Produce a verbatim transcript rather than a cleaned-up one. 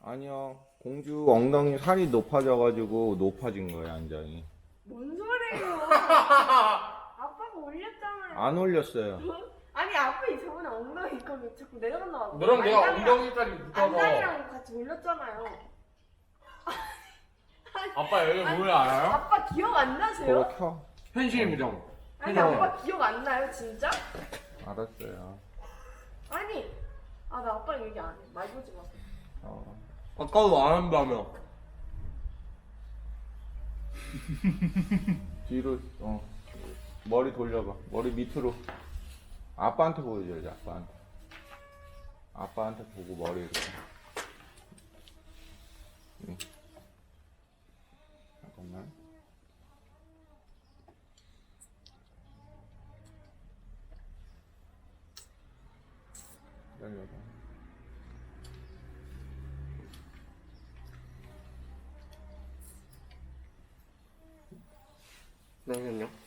아니요. 공주 엉덩이 살이 높아져가지고 높아진 거예요, 안장이. 뭔 소리예요? 아빠가 올렸잖아요. 안 올렸어요. 아니 아빠 저번에 엉덩이 이거 자꾸 내려간다 고 너랑 내가 엉덩이 살이 붙어서 안장이랑 같이 올렸잖아요. 아빠 여기 뭐야 알아요? 아빠 기억 안 나세요? 그거 켜. 현실 무정. 아니 아빠 기억 안 나요 진짜? 알았어요. 아니 아 나 아빠 얘기 안 해. 말 보지 마세요. 어. 아까도 안 한다며. 뒤로, 어. 머리 돌려봐. 머리 밑으로. 아빠한테 보여줘야지, 아빠한테. 아빠한테 보고 머리 이렇게. 응. 잠깐만. 기다려봐. 잠시만요.